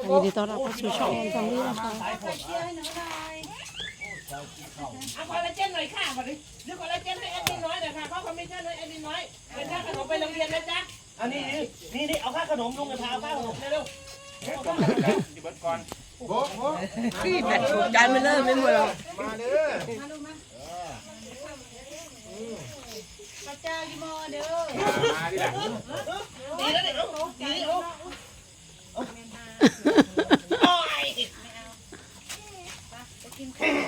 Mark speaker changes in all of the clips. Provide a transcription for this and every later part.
Speaker 1: ยินดีต้อนรับเข้าสู่ช่องแฟมิลี่นะคะ
Speaker 2: เอาคอลลาเจนหน่อยค่ะก่อนดิเดี๋ยวคอลลาเจนให้แอดมินน้อยหน่อยค่ะเขาคอมมิชชั่นให้แอดมินน้อยเป็นค่าขนมไปโรงเรียนนะจ๊ะอันนี้นี่เอาค่าขนมลุงกระทาค่าขนมเร็วๆจิบก่อนโบ๊ะพี่แบตถูกจานไม่เลิกไม่หมดหรอกมาเด้อมาลูกมาพระเจ้าอยู่มอเด้อมาดิดีแล้วดิดีโอ้ยกินข้าว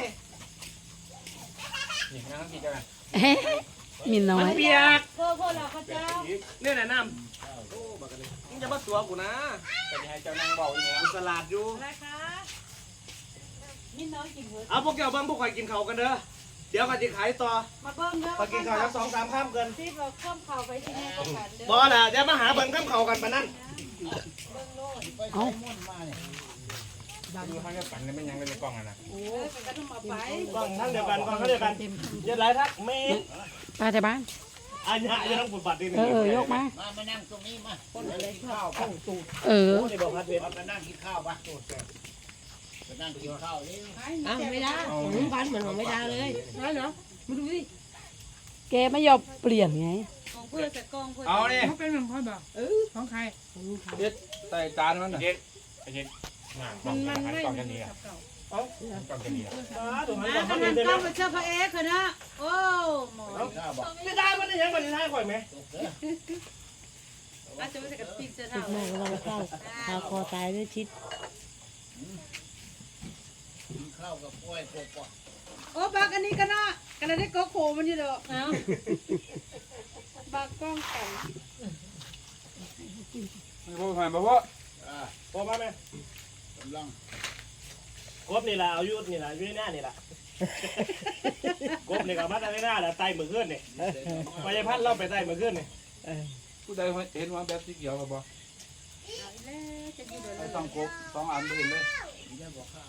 Speaker 2: นี่นั่งกินกัน
Speaker 1: เฮ้มินน้อย
Speaker 2: เปียก
Speaker 3: พ่อเราข้าเจ้า
Speaker 2: เนี่ยนะน้ำมึงจะมาตัวกูนะจะให้เจ้านั่งเบาอย่างเงี้ยสลัดอยู่
Speaker 3: อะไรคะมินน้อยกินเวอร์
Speaker 2: เอาพวกเจ้าเบิ้งพวกใครกินเขากันเด้อเดี๋ยวก็จะขายต่อ
Speaker 3: มาเบิ้งเด้อ
Speaker 2: พอกินเขาแล้ว2-3 ข้ามเกิน
Speaker 3: ที่เราข้ามเข่าไปที่นี่ก็ขันเด้อ
Speaker 2: บ่ล่ะเดี๋ยวมาหาเบิ้งข้ามเขากันปะนั่น
Speaker 1: เอ้า
Speaker 4: ดูเขาจะปั่นเลยไม่ยังเลยในกล้องอ่ะนะ
Speaker 3: โอ้ยเป็นกระทุ่มเอาไป
Speaker 2: กล้องทั้งเดียวกันกล้องทั้งเดียวกันเย็ดไรทักเมย์
Speaker 1: ไปแต่บ้าน
Speaker 2: อันนี้จะต้องปวดบัตรดิ
Speaker 1: ยกมา
Speaker 5: มานั่งตรงนี้มาคนอะไรข้าวข้าวตูด
Speaker 1: เออ
Speaker 2: นี่บอกพัดเพชร
Speaker 5: มานั่งกินข้าวปะมานั่งกินข้าวนี่
Speaker 3: อ้าวไม่ได้ผมพันเหมือนผมไม่ได้เลยนั่นเหรอมาดูดิ
Speaker 1: แกไม่ยอมเปลี่ยนไง
Speaker 3: ของเพื่อนจะกองเพื่อน
Speaker 4: เอาเนี่ย
Speaker 6: เขาเป็นของพ่อบอกของใคร
Speaker 4: เด็ดใส่จานมันน่ะเด็ดไอ้เด็ดกล้อง
Speaker 6: มันไม่
Speaker 4: กล้องกันนี้อ่ะ
Speaker 6: เก่าก
Speaker 4: ล้องกันนี้อ่ะ
Speaker 2: ถูกไหม
Speaker 3: มาขนาดกล้องมาเชื่อพระเอกนะโอ้หมอ
Speaker 5: ข้าวบอก
Speaker 2: ไม่ได้มันได้ยังมันได้ข่อยไหม
Speaker 3: อาจจะไม่ใช่กับติ๊กเจ้า
Speaker 1: ติด
Speaker 3: เท่า
Speaker 1: แม่ก็เราเข้าพาคอตายด้วยชิด
Speaker 5: กินข้าวกับกล้วยโคกะ
Speaker 3: โอ้บักอันนี้ก็น่ากันได้ก็โคมันอยู่เด้อเอ้าบักกล้องกัน
Speaker 4: ไม่พูดผ่านบอกว่า
Speaker 2: พอมาไหม
Speaker 5: กำลัง
Speaker 2: กบนี่แหละเอายุดนี่แหละยุดหน้านี่แหละกบนี่กับมัดอะไรหน้าแหละไตมือขึ้นนี่ไปยพัดเล่าไปไตมือขึ้นนี่
Speaker 4: ผู้ใดเห็นว่าแบบสีเขียวกับบ่
Speaker 3: จะอยู่เด้อ
Speaker 4: ไอ้ต้องกบ2 อันไปเห็นเลย
Speaker 5: นี่บอกข้าว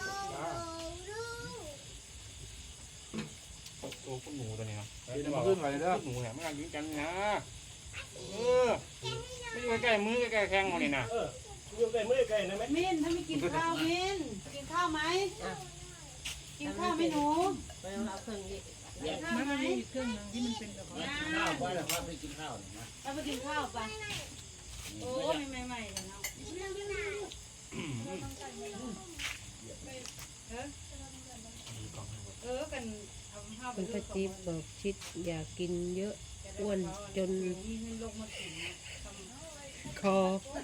Speaker 4: โอ้คุณหนูตัวนี้นะเดี๋ยวมาขึ้นไปเลยเด้อหนูเนี่ยมันกันกินกันนะไม่ใกล้มือใกล้แข้งมันนี่นะ
Speaker 2: อยู่ใกล้มือใกล้นะไหม
Speaker 3: มินถ้าไม่กินข้าวมินกินข้าวไหมกินข้าวไหมหนูกินข้าว
Speaker 6: มัน
Speaker 3: ไหม
Speaker 6: มีเครื่องนึงที่มันเป็นแบบ
Speaker 5: มากินข้าวไปแล้วครับไปกินข้าวนะ
Speaker 3: เราไปกินข้าวปะโอ้ยใหม่ๆเลยเนาะกันเอาข้าวไป
Speaker 7: คุณป้าจิ๊บบอกชิดอย่ากินเยอะอ้วนจนคอ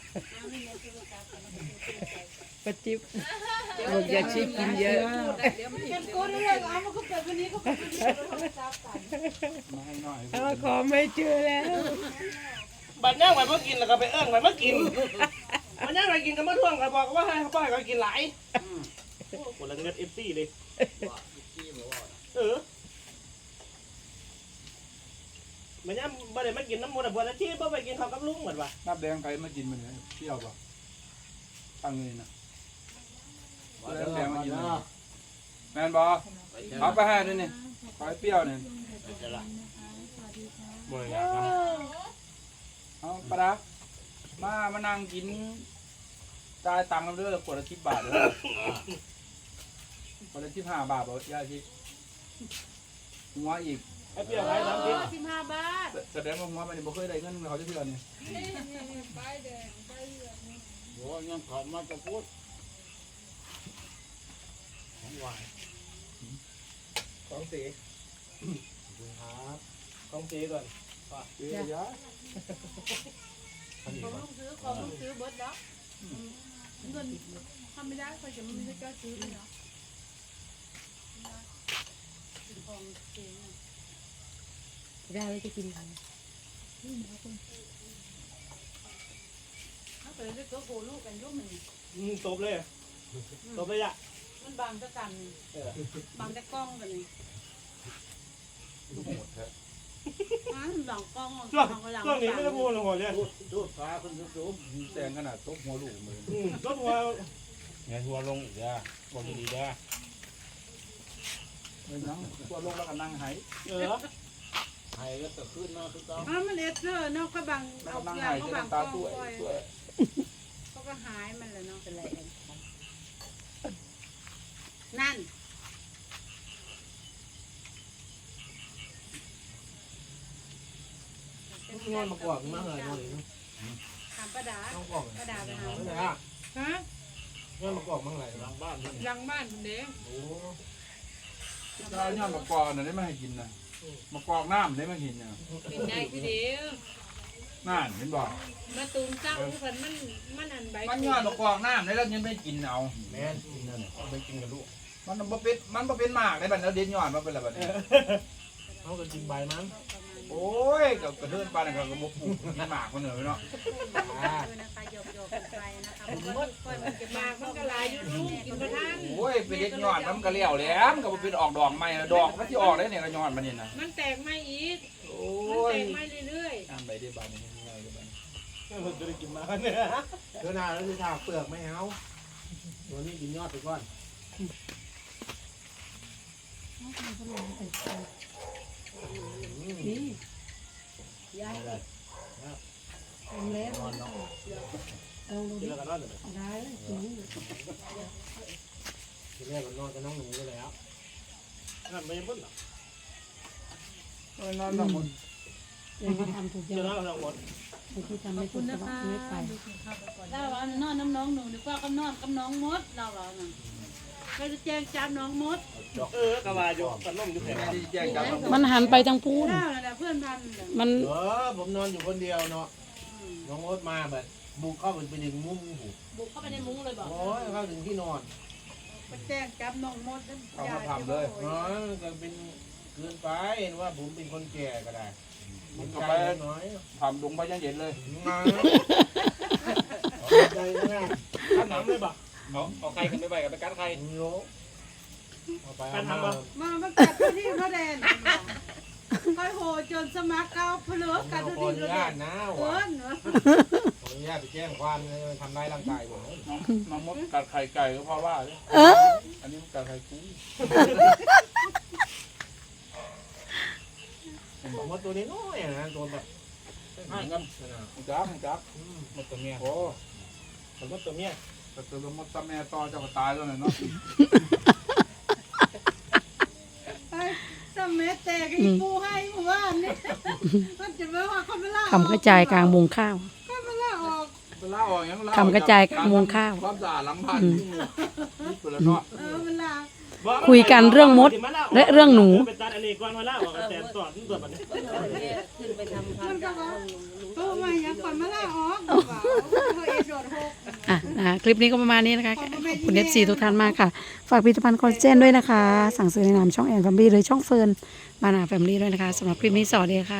Speaker 7: ป้าจิ๊บบอกอย่าชิดกินเยอะ
Speaker 3: กันโกนเลยเอามาก็เกิดวันนี้ก็เกิดวันนี้จับกัน
Speaker 4: มาให้หน่อย
Speaker 7: เอาขอไม่เจอแล้ว
Speaker 2: บัดย่างไปเมื่อกินแล้วก็ไปเอิ้งไปเมื่อกินบัดย่างไปกินกันเมื่อท่วงก็บอกว่าให้เขาป้ายก็กินหลายคนละเงินFCเลยมันยังบ่ได้มากินน้ำมันบัวละที่บ่ไปกินข้าวกับลุงเหมือนว่า
Speaker 4: น้ำแดงใครมากินมันเนี่ยเปรี้ยวป่ะตั้งเงินนะน้ำแดงมากินแมนบอเอาไปให้ด้วยนี่ขอให้เปรี้ยวเนี่ย
Speaker 2: บ่อยากนะ
Speaker 4: เอาปลามานั่งกินจ่ายตังค์กันด้วยขวดละ10 บาทเลยขวดละ15 บาทบอกยาชิหัวอีก
Speaker 2: ไอ้เปรี้ยวขาย30
Speaker 3: 15 บาท
Speaker 4: แสดงว่าหัวมันบ่เคยได้เงินเขาจะเพื่อนนี่
Speaker 5: โอ้ยังขอมาจะพูดของหวาน
Speaker 2: ของสีของสีก่อน
Speaker 4: เดี๋ยวยา
Speaker 3: ของลูกซื้อเบิร์ดแล้วเงินทำไม่ได้เขาจะไม่ได้ก็ซื้อเลยเนาะของเอง
Speaker 7: ได้แล้วจะกินอะไร
Speaker 3: ถ้าเกิดได้ก็โหลูกกันยุ่งมัน
Speaker 2: ตบเลยตบเลยอ่ะ
Speaker 3: มันบางตะกันบางตะกล้องกันนี่
Speaker 4: ลูกหมดแท้
Speaker 3: หลังกล้อง
Speaker 2: ช่วงนี้ไม่ได้พูดเลยหัวเลย
Speaker 5: ดูดฟ้าคุณดู
Speaker 4: แดงขนาดตบหัวลูกมือ
Speaker 2: รถหัว
Speaker 4: เนี่ยทัวลงอีกแล้วบอกดีๆเด้อนั่งทัวลงแล้วก็นั่งหาย
Speaker 5: ไห้ก็จะขึ้นมาคือต้อง
Speaker 3: มันเอสเนอร์เนาะก็บาง
Speaker 4: แล้ว
Speaker 3: เอา
Speaker 4: ก็นั่ง
Speaker 3: เกลือ
Speaker 4: หาย
Speaker 3: ก็
Speaker 4: จะ
Speaker 3: บางก
Speaker 4: ตา
Speaker 3: ล้อง
Speaker 4: ตัว
Speaker 3: เขาก็หายมันเลยเนาะเป็นไร
Speaker 5: งอนมากรอกมาเลยนอนเลย
Speaker 3: ถามป้าดา
Speaker 5: ต้องกรอก
Speaker 3: ป้าดาไปหา
Speaker 5: ไม่ได้อ่ะ
Speaker 6: ฮะ
Speaker 5: งอนมากรอกมาเลยหลังบ้านนี่
Speaker 6: หลังบ้านคุณเด้
Speaker 5: โอ้
Speaker 4: ถ้าย้อนมากอกน่ะได้มาให้กินนะมากอกน้ำได้มากินเนี่ย
Speaker 3: เป็นได้คือเดียว
Speaker 4: นั่นเห็นบ่
Speaker 3: มาตูมเจ้าเพิ่นมันอันใบ
Speaker 4: มันย้อนมากอกน้ำได้แล้วยังไม่กินเอา
Speaker 5: แม่กินนั่นไปกินกับลูก
Speaker 4: มันบ่เป็นหมากได้บัดแล้วเด็ดย้อนมาเป็นอะไรบัดนี้
Speaker 5: เขาก็กินใบมั้ง
Speaker 4: โอ้ยก็กระเดินปานนั้นก็บ่ปลูกกินหมากมันเหนื่อยเนาะ
Speaker 3: นะคะหยอกๆกันไปนะคะเพราะว่าค่อยมันจะมากมันก็หลายอยู่ลูกกินบ่ทัน
Speaker 4: โอ้ยไปเด็ดย้อนมันก็เลี้ยวแหล้วมันก็บ่เป็นออกดอกใหม่นะดอกมันสิออกได้เนี่ยก็ย้อนมันนี่นะ
Speaker 3: มันแตกไม่อีก
Speaker 4: โอ้
Speaker 3: มัน
Speaker 4: ย
Speaker 3: แตกไม่เรื่อย
Speaker 4: อันใบได้บาดนี้ง่ายเลยบัดนี้
Speaker 5: เราจะได้กินมาเนี่ยเดี๋ยวหน้าแล้วจะถากเปลือกไม่เอาตัวนี้กินยอดไปก่อน
Speaker 1: นี่ยายทำแล้ว
Speaker 5: นอนเนาะ
Speaker 1: ลองดู
Speaker 5: กิ
Speaker 1: ดิ
Speaker 5: นแล้วก็นอนเลย
Speaker 1: ได้จริง
Speaker 5: ทีแรกก็นอนกับน้องหนูไปแล้วนั่นไม่ยังพ้นหรอ
Speaker 4: โอ้ยนอนต้องหมด
Speaker 1: เองก็ทำถูก
Speaker 5: จะ
Speaker 1: ยัง
Speaker 5: นอนกับน้องหมด
Speaker 1: ไอ้ที่ทำไม่ถูกจะว่าไม่ไป
Speaker 3: ๆเราเอานอนน้องหนูนึกว่าก็นอนกับน้องมดเราเหรอน่ะก็จะแจ้งจับน้องมด
Speaker 5: กะว่าอยู่กันล่มอยู่แถว
Speaker 4: ที่แจ้งจับ
Speaker 1: มันหันไปทางพูน
Speaker 3: เจ้าน่ะเพื่อนพันน่ะ
Speaker 1: มัน
Speaker 5: ผมนอนอยู่คนเดียวเนาะน้องมดมาแบบบุกเข้าไปดึงมุ้งหู
Speaker 3: บุกเข้าไปในมุ้งเลยบอก
Speaker 5: โอ้ยเข้าถึงที่นอน
Speaker 3: มาแจ้งจับน้องมดแล้ว
Speaker 4: เอามาทำเลย
Speaker 5: อ๋อก็เป็นเกินไปว่าผมเป็นคนแก่ก็ได้
Speaker 4: มันก็
Speaker 5: ใจ
Speaker 4: ไป
Speaker 5: น้อย
Speaker 4: ทำลงไปยังเย็นเลย
Speaker 5: มาใจง่ายขนมเลยบ่
Speaker 2: เอาใครกันไปไปกับไปกัดใคร
Speaker 5: โยเอาไปเอามา
Speaker 3: มากัดที่พระแดนค่อยโหจนสมัครเก้าเพลือกัด
Speaker 5: ขอ
Speaker 3: ที่
Speaker 5: อ
Speaker 3: พ
Speaker 5: นุ
Speaker 3: ระแด
Speaker 5: ญาต
Speaker 3: น
Speaker 5: นะ
Speaker 3: เอิ
Speaker 5: ว่ะ
Speaker 3: ้นเนาะ
Speaker 5: ขออนุญาตไปแจ้งความทำร้ายร่างกายผม
Speaker 4: น้องมดกัดไข่ไก่ก็เพราะว่าเนี่ย
Speaker 1: เออ
Speaker 4: อันนี้มันกัดไข่กุ้ง
Speaker 5: มดตัวนี้น้อยนะตัวแบบ
Speaker 4: ห่างกันจับมดตัวเมียโอ้
Speaker 5: ผมมดตัวเนี้ย
Speaker 4: แต่ตัวมดตัวแม่ต่อเจ้าก็ตายแล้วเนาะ
Speaker 3: สมัยแตกอีปูให้หมู่บ้านนี่มันจะไม่ว่าเขาไม่ล่า
Speaker 1: คำกระจายกลางมุงข้าว
Speaker 3: เขาไม่ล่าออก
Speaker 4: เวลาออกยังเล่า
Speaker 1: คำกระจายกลางมุงข้าว
Speaker 4: ความสะอาดหลังบ้านนี่ตัวละเนาะ
Speaker 3: มันล่า
Speaker 1: คุยกันเรื่องมดและเรื่องหนู
Speaker 5: เป็นตาอันนี้ก่อนมาแล้วว่าแต่ต่อที่ตัวแบบนี้
Speaker 7: ขึ้นไปทำ
Speaker 3: มันก็ว่าตัวใหม่ยังก่อนมาล่าออกเปล่าเขาเอโดดหก
Speaker 1: อ่ะนะคลิปนี้ก็ประมาณนี้นะคะ ขอบคุณ FC ทุกท่านมากค่ะ ฝากผลิตภัณฑ์คอลลาเจนด้วยนะคะ สั่งซื้อในนามช่องแอนแฟมิลี่หรือช่องเฟิร์นบานาแฟมิลี่ด้วยนะคะสำหรับคลิปนี้สวัสดีค่ะ